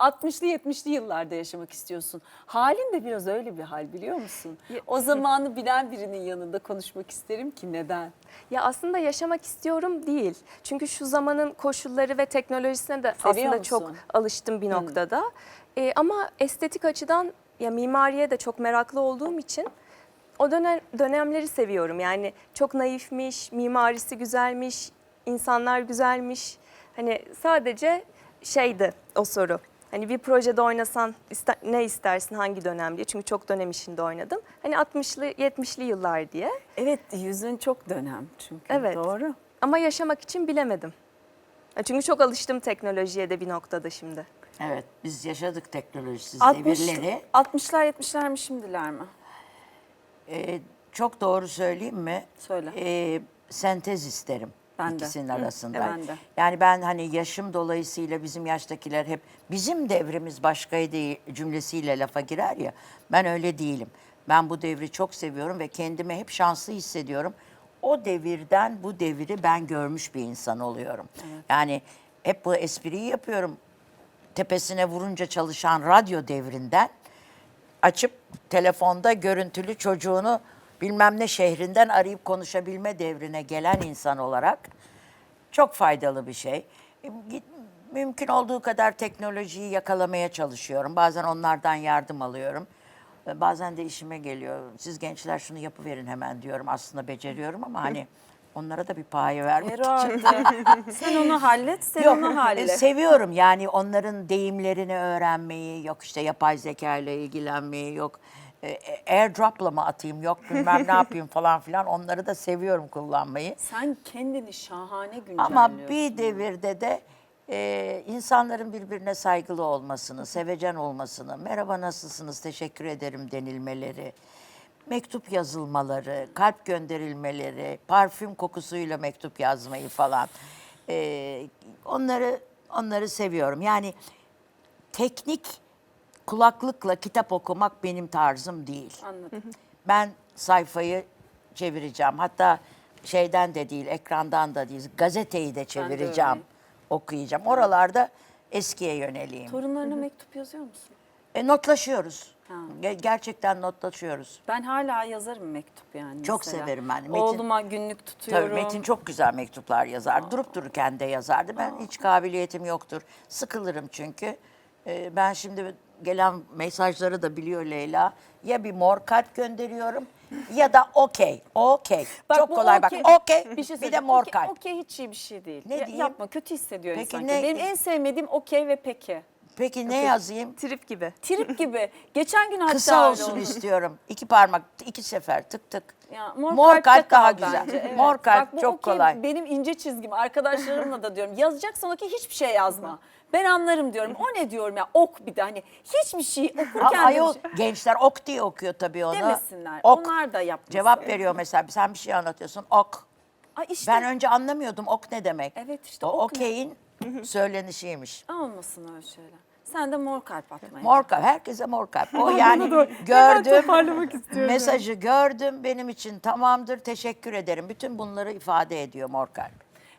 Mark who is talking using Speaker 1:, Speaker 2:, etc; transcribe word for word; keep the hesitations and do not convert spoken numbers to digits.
Speaker 1: altmışlı yetmişli yıllarda yaşamak istiyorsun. Halin de biraz öyle bir hal, biliyor musun? O zamanı bilen birinin yanında konuşmak isterim ki neden?
Speaker 2: Ya aslında yaşamak istiyorum değil. Çünkü şu zamanın koşulları ve teknolojisine de
Speaker 1: Seviyor
Speaker 2: aslında
Speaker 1: musun?
Speaker 2: çok alıştım bir noktada. Ee, ama estetik açıdan ya mimariye de çok meraklı olduğum için o dönem dönemleri seviyorum. Yani çok naifmiş, mimarisi güzelmiş, insanlar güzelmiş. Hani sadece şeydi o soru. Hani bir projede oynasan ister, ne istersin, hangi dönem diye. Çünkü çok dönem işinde oynadım. Hani altmışlı yetmişli yıllar diye.
Speaker 1: Evet, yüzün çok dönem çünkü.
Speaker 2: Evet.
Speaker 1: Doğru.
Speaker 2: Ama yaşamak için bilemedim. Ya çünkü çok alıştım teknolojiye de bir noktada şimdi.
Speaker 3: Evet, biz yaşadık teknolojisiz
Speaker 1: altmış,
Speaker 3: devirleri.
Speaker 1: altmışlar yetmişler mi şimdiler mi?
Speaker 3: Ee, çok doğru söyleyeyim mi?
Speaker 1: Söyle.
Speaker 3: Ee, sentez isterim
Speaker 1: Ben de.
Speaker 3: ikisinin
Speaker 1: Hı,
Speaker 3: arasında.
Speaker 1: e, ben de.
Speaker 3: Yani ben hani yaşım dolayısıyla bizim yaştakiler hep bizim devrimiz başkaydı cümlesiyle lafa girer ya. Ben öyle değilim. Ben bu devri çok seviyorum ve kendimi hep şanslı hissediyorum. O devirden bu devri ben görmüş bir insan oluyorum. Evet. Yani hep bu espriyi yapıyorum. Tepesine vurunca çalışan radyo devrinden açıp telefonda görüntülü çocuğunu bilmem ne şehrinden arayıp konuşabilme devrine gelen insan olarak çok faydalı bir şey. Mümkün olduğu kadar teknolojiyi yakalamaya çalışıyorum. Bazen onlardan yardım alıyorum. Bazen de işime geliyor. Siz gençler şunu yapıverin hemen diyorum. Aslında beceriyorum ama hani onlara da bir payı vermek için.
Speaker 1: Herhalde. Sen onu hallet, sen
Speaker 3: Yok,
Speaker 1: onu
Speaker 3: e,
Speaker 1: hallet.
Speaker 3: seviyorum yani onların deyimlerini öğrenmeyi, yok işte yapay zeka ile ilgilenmeyi, yok e, airdrop'la mı atayım, yok bilmem ne yapayım falan filan, onları da seviyorum kullanmayı.
Speaker 1: Sen kendini şahane güncelliyorsun.
Speaker 3: Ama bir devirde de e, insanların birbirine saygılı olmasını, sevecen olmasını, merhaba nasılsınız, teşekkür ederim denilmeleri, mektup yazılmaları, kalp gönderilmeleri, parfüm kokusuyla mektup yazmayı falan. Ee, onları onları seviyorum. Yani teknik kulaklıkla kitap okumak benim tarzım değil.
Speaker 1: Anladım.
Speaker 3: Ben sayfayı çevireceğim. Hatta şeyden de değil, ekrandan da değil, gazeteyi de çevireceğim,
Speaker 1: öyleyim.
Speaker 3: okuyacağım. Oralarda eskiye yöneleyim.
Speaker 1: Torunlarına mektup yazıyor musun?
Speaker 3: E, notlaşıyoruz.
Speaker 1: Ha.
Speaker 3: Ge- Gerçekten notlaşıyoruz.
Speaker 1: Ben hala yazarım mektup yani.
Speaker 3: Çok
Speaker 1: mesela.
Speaker 3: severim ben. Metin-
Speaker 1: Oğluma günlük tutuyorum.
Speaker 3: Tabii Metin çok güzel mektuplar yazar. Durup dururken de yazardı. Ben hiç kabiliyetim yoktur. Sıkılırım çünkü. Ee, ben şimdi gelen mesajları da biliyor Leyla. Ya bir mor kalp gönderiyorum ya da okey. Okey.
Speaker 1: Bak
Speaker 3: Çok
Speaker 1: bu
Speaker 3: kolay
Speaker 1: okey-
Speaker 3: bak. Okey.
Speaker 1: Bir şey
Speaker 3: Bir de
Speaker 1: söyleyeceğim.
Speaker 3: mor
Speaker 1: Okey-
Speaker 3: kalp.
Speaker 1: Okey hiç iyi bir şey değil.
Speaker 3: Ne
Speaker 1: Ya-
Speaker 3: diyeyim?
Speaker 1: Yapma, kötü hissediyor
Speaker 3: Peki
Speaker 1: insan.
Speaker 3: ne-
Speaker 1: Benim en sevmediğim okey ve peki.
Speaker 3: Peki ne yazayım?
Speaker 2: Trip gibi.
Speaker 1: Trip gibi. Geçen gün hatta
Speaker 3: Kısa
Speaker 1: öyle
Speaker 3: olsun
Speaker 1: oldu.
Speaker 3: istiyorum. İki parmak, iki sefer tık tık.
Speaker 1: Ya, mor,
Speaker 3: Mor
Speaker 1: kalpte
Speaker 3: kalp daha
Speaker 1: kal
Speaker 3: güzel.
Speaker 1: bence, evet.
Speaker 3: Mor kalp
Speaker 1: Bak, bu
Speaker 3: çok
Speaker 1: okey
Speaker 3: kolay.
Speaker 1: Benim ince çizgim. Arkadaşlarımla da diyorum. Yazacaksan okey hiçbir şey yazma. Ben anlarım diyorum. O ne diyorum ya, ok bir de hani hiçbir şey
Speaker 3: Ha,
Speaker 1: okurken de
Speaker 3: ayol,
Speaker 1: bir şey-
Speaker 3: gençler ok diye okuyor tabii onu.
Speaker 1: demesinler.
Speaker 3: Ok.
Speaker 1: Onlar da yapmasın.
Speaker 3: Cevap veriyor mesela. Sen bir şey anlatıyorsun. Ok.
Speaker 1: Ay işte
Speaker 3: Ben önce anlamıyordum ok ne demek.
Speaker 1: Evet işte
Speaker 3: o
Speaker 1: ok ne?
Speaker 3: okeyin söylenişiymiş.
Speaker 1: olmasın öyle şeyler. Sen de mor kalp atmaya.
Speaker 3: Mor kalp. Herkese mor kalp. O yani gördüm. Mesajı gördüm. Benim için tamamdır. Teşekkür ederim. Bütün bunları ifade ediyor mor kalp.